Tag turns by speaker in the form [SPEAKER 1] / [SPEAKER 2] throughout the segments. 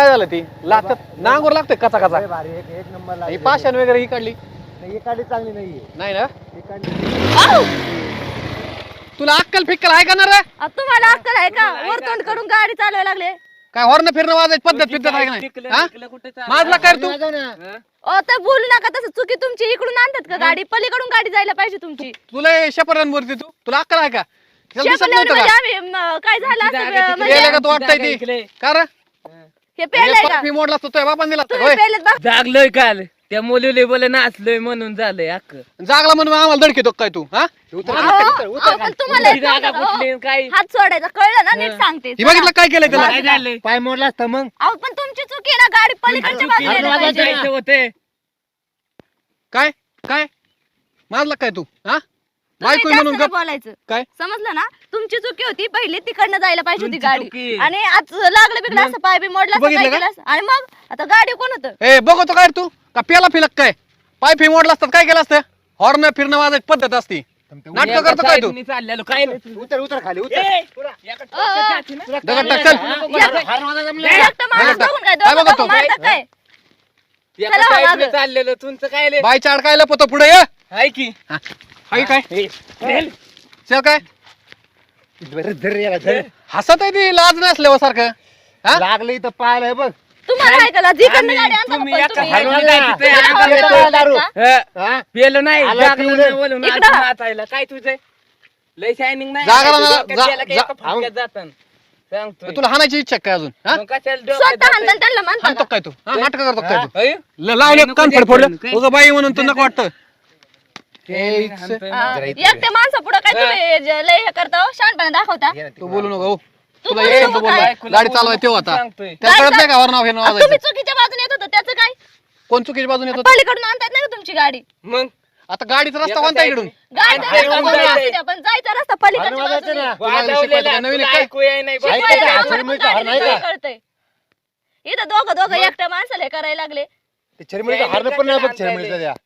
[SPEAKER 1] झालं ती लागतात नांगोर लागतोय कचा कचा
[SPEAKER 2] भारी एक नंबर
[SPEAKER 1] ही पाषाण वगैरे ही काढली
[SPEAKER 2] ही काढली चांगली नाहीये
[SPEAKER 1] नाही ना
[SPEAKER 2] ही काढली
[SPEAKER 1] तुला अक्कल फिक्कल आहे का ना रे
[SPEAKER 3] तुम्हाला अक्कल आहे का वर तोंड करून गाडी चालवायला लागले
[SPEAKER 1] काय हॉर्न फिरणं वाजायची पद्धत आहे का नाही हा? माझला काय रे तू
[SPEAKER 3] ओ तर बोलू नका तसं चुकी तुमची इकडून आणतात का गाडी पलीकडून गाडी जायला पाहिजे तुमची
[SPEAKER 1] तुला शपरान वरती तू तुला अक्कल आहे का त्याला दिसत
[SPEAKER 3] शेपल्यावर
[SPEAKER 1] नव्हतं
[SPEAKER 3] म्हणजे
[SPEAKER 1] का
[SPEAKER 3] आम्ही काय झालं असतं
[SPEAKER 1] गेलं
[SPEAKER 3] म्हणजे
[SPEAKER 1] का तू वाटतंय ती का रे
[SPEAKER 3] हे पेलय का
[SPEAKER 1] फी मोडला असतो तुझ्या बापान दिला असता
[SPEAKER 3] तुम्ही
[SPEAKER 1] होय
[SPEAKER 3] पेलत बघ
[SPEAKER 4] जागलोय काल त्या मुलीले बोले नाचलोय म्हणून झालंय अक्क
[SPEAKER 1] जागला म्हणून आम्हाला धडकेतो काय तू हा
[SPEAKER 3] अहो, पण तुम्हाला एक
[SPEAKER 4] जागा
[SPEAKER 3] सांगतो,
[SPEAKER 4] कुठली काय
[SPEAKER 3] हात सोडायचा कळलं ना नीट सांगते
[SPEAKER 1] ही बघितलं काय केलंय त्याला
[SPEAKER 4] काय झालंय
[SPEAKER 2] पाय मोडला असता मग
[SPEAKER 3] अहो पण तुमची चुकी आहे ना गाडी पलीकडच्या बाजूला यायला पाहिजे ना.
[SPEAKER 4] जायचं होते
[SPEAKER 1] काय काय माझला काय तू हा
[SPEAKER 3] तुम्ही
[SPEAKER 1] बायको
[SPEAKER 3] जास्त
[SPEAKER 1] म्हणून
[SPEAKER 3] नाही
[SPEAKER 1] गप
[SPEAKER 3] बोलायचं
[SPEAKER 1] काय
[SPEAKER 3] समजलं ना तुमची चुकी होती पहिली तिकडनं जायला पाहिजे होती
[SPEAKER 4] तुमची चुकी.
[SPEAKER 3] गाडी आणि आज लागलं बिगलं असं पाय बी मोडला
[SPEAKER 1] तू
[SPEAKER 3] असं काय
[SPEAKER 1] बघितलं
[SPEAKER 3] केलं असं? आणि मग आता गाडी कोण होतं
[SPEAKER 1] ए बघतो काय रे तू का पेला फिलक काय पाय फी मोडला असतात काय केलं असतं हॉर्न फिरणं वाजायची पद्धत असती नाटक करतो काय तू
[SPEAKER 4] चाललेलो काय
[SPEAKER 2] उतर खाली उतर
[SPEAKER 1] दगड टाक चल
[SPEAKER 3] एकटं माणूस
[SPEAKER 1] बघा,
[SPEAKER 3] बघून काय
[SPEAKER 1] काय
[SPEAKER 3] दोघं
[SPEAKER 1] बघतो?
[SPEAKER 3] दोघं मारतात काय चला हो मागं.
[SPEAKER 4] चाललेलो तुमचं काय लय
[SPEAKER 1] बायच्या अडकायला पतो पुढे ये
[SPEAKER 4] हाय की
[SPEAKER 1] हाय काय चल काय
[SPEAKER 2] धर याला धर
[SPEAKER 1] हसत आहे ती लाज नसल्यावर सारखं हा
[SPEAKER 2] लागलं इथं पाहायला बघ
[SPEAKER 3] तुम्हाला ऐकायला जिकडनं गाडी आणता
[SPEAKER 4] तुम्ही
[SPEAKER 3] पण
[SPEAKER 4] एका
[SPEAKER 3] तुम्ही-
[SPEAKER 4] हाडून
[SPEAKER 3] चला,
[SPEAKER 4] जायचं
[SPEAKER 2] दारू.
[SPEAKER 3] का?
[SPEAKER 2] हा
[SPEAKER 4] पेलो नाही
[SPEAKER 2] आला
[SPEAKER 4] जागलो
[SPEAKER 2] पिवळं.
[SPEAKER 4] नाही बोलून
[SPEAKER 3] इकडं.
[SPEAKER 4] आता नाचायला काय तुझं लय शायनिंग नाही
[SPEAKER 1] जागला ना,
[SPEAKER 4] डोक्यात गेला की
[SPEAKER 1] जा-
[SPEAKER 4] एका फटक्यात जातं. सांगतोय
[SPEAKER 1] तुला हाणायची इच्छा काय अजून हा
[SPEAKER 4] मग कशाला डोक्यात
[SPEAKER 3] स्वतः
[SPEAKER 4] जातं?
[SPEAKER 3] हाणताना त्यांना म्हणता
[SPEAKER 1] हाणतो
[SPEAKER 3] का?
[SPEAKER 1] काय तू हा नाटक करतो काय तू
[SPEAKER 4] होय?
[SPEAKER 1] लावले
[SPEAKER 4] नको
[SPEAKER 1] कान
[SPEAKER 4] द्यायचं
[SPEAKER 1] फडफडलं
[SPEAKER 4] काय?
[SPEAKER 1] उगा बाई म्हणून तू नको वाटतं
[SPEAKER 4] हाणतोय
[SPEAKER 3] हा,
[SPEAKER 4] मग.
[SPEAKER 3] एकट्या माणसा पुढे काय तुम्ही लय हे करता हो, शहाणपणा दाखवता
[SPEAKER 1] तू बोलू नको हो.
[SPEAKER 3] तू
[SPEAKER 1] तुला
[SPEAKER 3] बोलू
[SPEAKER 1] एक
[SPEAKER 3] नको
[SPEAKER 1] शब्द
[SPEAKER 3] काय?
[SPEAKER 1] बोलला
[SPEAKER 4] बायकोला
[SPEAKER 1] गाडी
[SPEAKER 4] बोलू
[SPEAKER 1] चालवाय
[SPEAKER 4] नको
[SPEAKER 1] तेव्हा आता
[SPEAKER 4] सांगतोय.
[SPEAKER 1] त्याला कळत नाही का हॉर्न फिरणं
[SPEAKER 3] तुम्ही
[SPEAKER 1] वाजायचं
[SPEAKER 3] चुकीच्या बाजूने येत होता त्याचं काय
[SPEAKER 1] कोण चुकीच्या बाजूने येतो
[SPEAKER 3] पलीकडून आणतात नाही का तुमची गाडी
[SPEAKER 4] मग
[SPEAKER 1] आता गाडीचा रस्ता कोणता इकडून
[SPEAKER 3] गाडीचा
[SPEAKER 4] हाणून
[SPEAKER 3] रस्ता कोणता
[SPEAKER 4] जायचंय.
[SPEAKER 3] असू द्या, पण जायचा रस्ता पलीकडच्या
[SPEAKER 2] हाणून
[SPEAKER 3] बाजूने.
[SPEAKER 2] जायचं ना.
[SPEAKER 1] तुला
[SPEAKER 4] वाजवलेला,
[SPEAKER 1] शिकवायचं नवीन
[SPEAKER 4] तुला
[SPEAKER 1] आहे काय?
[SPEAKER 4] ऐकू येई नाही
[SPEAKER 2] शिकवायचं
[SPEAKER 4] बाई.
[SPEAKER 2] काय?
[SPEAKER 3] शिकवायला
[SPEAKER 2] हाणून
[SPEAKER 3] आम्हाला
[SPEAKER 2] मिळतं, हार नाही
[SPEAKER 3] गाडी
[SPEAKER 2] का?
[SPEAKER 3] कळतंय. इथं दोघं एकट्या माणसाला हे करायला लागले
[SPEAKER 2] ते चरमिळीचं हारणं पण नाही बघ चरमिळीचं द्या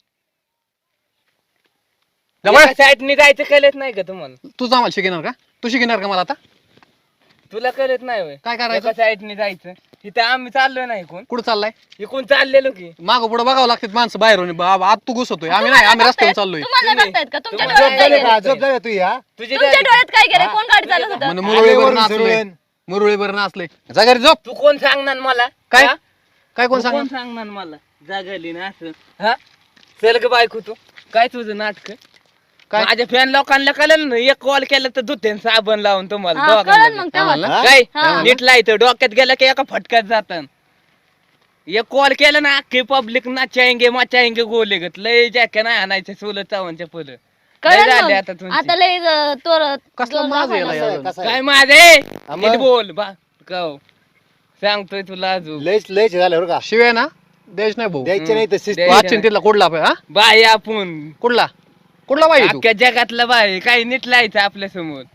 [SPEAKER 1] जवळ
[SPEAKER 4] एका साईडने जायचं कळत नाही का तुम्हाला
[SPEAKER 1] तूच आम्हाला शिकणार का तू शिकणार का मला आता
[SPEAKER 4] तुला कळत नाही होय.
[SPEAKER 1] काय करायचं
[SPEAKER 4] एका साईडने जायचं इथं आम्ही चाललोय ना इकून
[SPEAKER 1] कुठं चाललाय
[SPEAKER 4] इकून चाललेलो की
[SPEAKER 1] मागं पुढे बघावं लागतात माणसं बाहेरून आत तू घुसतोय आम्ही नाही आम्ही रस्त्यावर चाललोय
[SPEAKER 3] तुम्हाला नाही बघतायत का तुमच्या
[SPEAKER 4] तुम्हाला
[SPEAKER 3] डोळ्यात काय
[SPEAKER 2] झोप झाली
[SPEAKER 3] गेलं?
[SPEAKER 2] का झोप झाली तू या
[SPEAKER 4] तुझी
[SPEAKER 3] तुमच्या डोळ्यात काय गेलं कोण गाडी चालत होतं
[SPEAKER 1] म्हणे मुरळीवर
[SPEAKER 2] आलेवरून
[SPEAKER 1] नाचले
[SPEAKER 2] सुरुवात.
[SPEAKER 1] मुरळीवर नाचले जा घरी झोप
[SPEAKER 4] तू कोण सांगणार मला
[SPEAKER 1] काय
[SPEAKER 4] हा?
[SPEAKER 1] काय कोण
[SPEAKER 4] तू
[SPEAKER 1] सांग
[SPEAKER 4] सांगणार मला जागली ना असं हा चल ग बायको तू काय तुझं नाटक
[SPEAKER 1] काय?
[SPEAKER 4] माझ्या फॅन लोकांना कळलं ना एक कॉल केला तर धुते साबण लावून तुम्हाला
[SPEAKER 3] हा, कळलं
[SPEAKER 4] दोघांना
[SPEAKER 3] मग तेव्हा
[SPEAKER 1] आम्हाला?
[SPEAKER 2] हा?
[SPEAKER 4] काय
[SPEAKER 3] हा.
[SPEAKER 4] नीट लायचं डोक्यात गेलं की एका फटक्यात जातं एक कॉल केला ना अख्खी पब्लिक नाचायंगे मचायंगे गोले गत लय जॅक्या नाही आणायचे सोलत चावणच्या फुलं लय
[SPEAKER 3] कळलं
[SPEAKER 4] झाले
[SPEAKER 3] मग.
[SPEAKER 4] आता तुमची.
[SPEAKER 3] आता लय तोर
[SPEAKER 1] कसलं माझं याला
[SPEAKER 2] कसं आहे,
[SPEAKER 1] यार.
[SPEAKER 2] कसं आहे?
[SPEAKER 4] काय माझे
[SPEAKER 2] मग?
[SPEAKER 4] नीट बोल बा कव सांगतोय तुला अजून
[SPEAKER 2] लयच लयच झालं बरं का
[SPEAKER 1] शिवाय ना देश नाही भाऊ
[SPEAKER 2] द्यायचे नाही तर शिस्त
[SPEAKER 4] द्यायचे
[SPEAKER 1] वाचिन तिथला कुठला आपण, हा
[SPEAKER 4] बाय आपण
[SPEAKER 1] कुठला कुठला बाई तू
[SPEAKER 4] अख्ख्या जगातला बाय काही नीट लायचं आपल्या समोर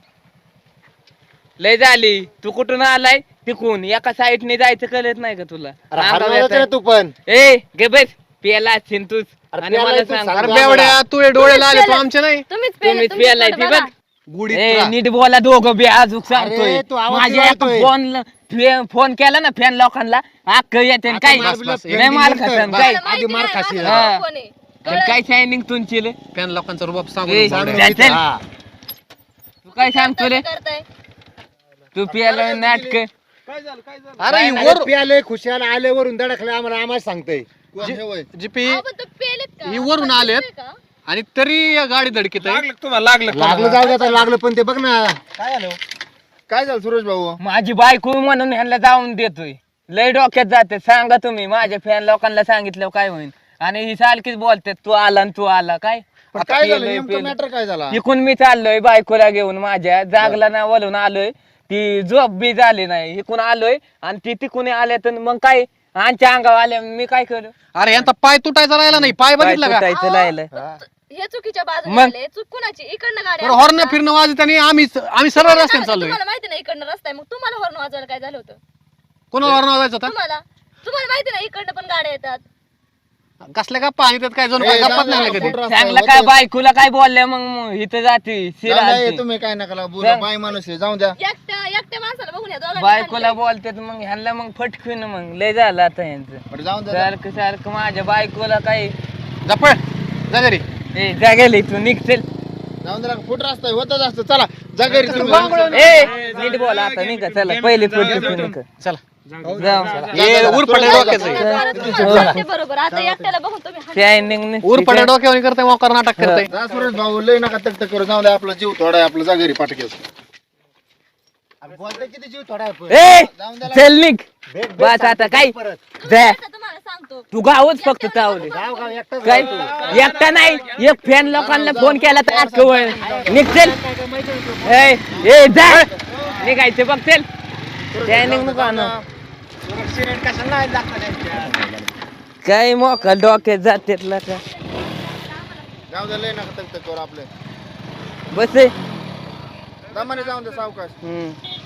[SPEAKER 4] लय झाली तू कुठून आलाय तिकून एका साईडने जायचं कळत नाही का तुला
[SPEAKER 2] अरे
[SPEAKER 4] अंगावर
[SPEAKER 2] हारणं जायचं ना
[SPEAKER 4] येतंय.
[SPEAKER 2] तू पण
[SPEAKER 4] ए गे बस पियाला असशील तूच
[SPEAKER 2] अरे
[SPEAKER 4] आणि
[SPEAKER 2] प्यायला
[SPEAKER 4] मला
[SPEAKER 2] तू
[SPEAKER 4] सांग
[SPEAKER 2] सांग.
[SPEAKER 1] अरे बेवड्या तू हे डोळे लावले तू
[SPEAKER 3] पेलं.
[SPEAKER 1] आमचे नाही
[SPEAKER 3] तुम्हीच
[SPEAKER 4] तुम्हीच
[SPEAKER 3] पेलं,
[SPEAKER 4] पियालाय
[SPEAKER 3] तुमचं
[SPEAKER 4] ती
[SPEAKER 3] बघा.
[SPEAKER 4] बघ
[SPEAKER 1] गुढी
[SPEAKER 4] ए नीट बोला दोघं बी अजून सांगतोय
[SPEAKER 2] अरे, तू आवाज
[SPEAKER 4] माझ्या
[SPEAKER 2] वाढवतोय.
[SPEAKER 4] फोन केला ना फॅन लोकांना अक्क येते
[SPEAKER 2] आता
[SPEAKER 4] काय
[SPEAKER 2] मार
[SPEAKER 1] बस,
[SPEAKER 2] बिला
[SPEAKER 1] बस.
[SPEAKER 2] पेंडिंग
[SPEAKER 4] नाही मार
[SPEAKER 2] नंतर.
[SPEAKER 4] खासन
[SPEAKER 2] बस.
[SPEAKER 4] काय
[SPEAKER 3] मला
[SPEAKER 2] आधी
[SPEAKER 3] माहिती
[SPEAKER 2] मार
[SPEAKER 3] नाही
[SPEAKER 2] खाशील.
[SPEAKER 3] ना,
[SPEAKER 4] हा.
[SPEAKER 3] कोण आहे.
[SPEAKER 4] पण काय शायनिंग तुमची रे?
[SPEAKER 1] फॅन लोकांचा रुबाब
[SPEAKER 4] ए,
[SPEAKER 1] सांगून
[SPEAKER 4] सांग.
[SPEAKER 1] बावड्या.
[SPEAKER 4] चल.
[SPEAKER 2] हा.
[SPEAKER 4] तू काय सांगतो रे
[SPEAKER 3] करताय
[SPEAKER 4] तू पियाला नाटक
[SPEAKER 1] अरे ही
[SPEAKER 2] अरे
[SPEAKER 1] वर
[SPEAKER 2] प्याले खुशाल आले वरून दडकले आम्हाला सांगतोय
[SPEAKER 1] जीपी
[SPEAKER 3] अहो, पण तो पेलेत का?
[SPEAKER 1] ही वरून
[SPEAKER 3] आपण
[SPEAKER 1] आलेत.
[SPEAKER 3] पेलतोय का?
[SPEAKER 1] आणि तरी या गाडी धडकीत आहे
[SPEAKER 2] लागलं जाऊ द्या लागलं पण ते बघ ना काय झालं काय झालं सुरेश भाऊ
[SPEAKER 4] माझी बायको म्हणून ह्यांना जाऊन देतोय लय डोक्यात जाते सांगा तुम्ही माझ्या फॅन लोकांना सांगितलं काय होईल आणि ही सारखीच बोलते तू आला आणि तू आला काय
[SPEAKER 2] पण
[SPEAKER 4] आता
[SPEAKER 2] काय झालं
[SPEAKER 4] पेलंय,
[SPEAKER 2] नेमकं
[SPEAKER 4] पेलंय.
[SPEAKER 2] मॅटर काय झाला
[SPEAKER 4] इकून मी चाललोय बायकोला घेऊन माझ्या जागला ना वळून आलोय ती झोप बी झाली नाही इकून आलोय आणि ती तिकून आल्या तर मग काय आमच्या अंगावर आल्या मी काय करू
[SPEAKER 1] अरे यांचा पाय तुटायचा राहिला नाही पाय बघितला का
[SPEAKER 4] तुटायचं राहिलं
[SPEAKER 3] हे चुकीच्या बाजूने
[SPEAKER 4] मग?
[SPEAKER 3] आले. चूक कुणाची इकडनं गाडी
[SPEAKER 1] बरं
[SPEAKER 3] आणतात
[SPEAKER 1] हॉर्न
[SPEAKER 3] का?
[SPEAKER 1] फिरणं वाजत आणि आम्ही सरळ
[SPEAKER 3] तुम्हाला
[SPEAKER 1] रस्त्याने
[SPEAKER 3] सांगते,
[SPEAKER 1] चाललोय
[SPEAKER 3] तुम्हाला माहिती नाही इकडनं रस्ता आहे मग तुम्हाला हॉर्न वाजवायला काय झालं होतं
[SPEAKER 1] कोणाला हॉर्न वाजायचं होता
[SPEAKER 3] तुम्हाला तुम्हाला माहिती नाही इकडनं पण गाड्या येतात
[SPEAKER 1] कसल्या गप्पा आणि त्यात काय जणू काय गप्पाच नाही कधी
[SPEAKER 4] चांगलं काय बायकोला काय बोलल्या मग इथं जाते शिरा
[SPEAKER 2] तुम्ही काय नका बोला बाय माणूस आहे, जाऊ द्या.
[SPEAKER 3] एकट्या माणसाला बघून या दोघांनी
[SPEAKER 4] बायकोला बोलतात मग ह्यांना मग फटकून मग लय झालं आता यांचं
[SPEAKER 2] बरं जाऊन द्या.
[SPEAKER 4] सारखं सारखं माझ्या बायकोला काय
[SPEAKER 1] जपळ जा घरी
[SPEAKER 4] ए जागेल इथून निघतील
[SPEAKER 2] जाऊन द्या, फुट रस्ता आहे, होतच असतं. चला जा घरी तुम्ही.
[SPEAKER 4] ए नीट बोला आता निघा चला पहिले फटकून
[SPEAKER 1] चला
[SPEAKER 4] जाऊ
[SPEAKER 1] हे उरपडे डोक्याचं आहे.
[SPEAKER 3] तुम्हाला वाटते बरोबर आता एकट्याला बघून तुम्ही हात-
[SPEAKER 4] शायनिंग
[SPEAKER 1] उरपडे डोक्यावर करते मोकार नाटक करते
[SPEAKER 2] जा सुरेश भाऊ, लय नका तक करू, जाऊ द्या. आपला जीव थोडा आहे, आपला जा घरी पाटकेस. बोलते किती जीव थोडा आहे.
[SPEAKER 4] ए
[SPEAKER 2] जाऊन द्या.
[SPEAKER 4] चल निघ बस आता काय जा
[SPEAKER 3] आता तुम्हाला सांगतो
[SPEAKER 4] तू गावच फक्त चावले
[SPEAKER 2] गाव गाव एकटाच
[SPEAKER 4] काय एकटा नाही एक फॅन लोकांना फोन केला तर आज कवळ निघतील ए जा निघायचं बघ चल शायनिंग नको आणू काय मोका डोक्यात जाते का
[SPEAKER 2] जाऊ द्या, लय नका तक करू आपले.
[SPEAKER 4] बस
[SPEAKER 2] दमाने जाऊन द्या सावकाश.
[SPEAKER 4] हम्म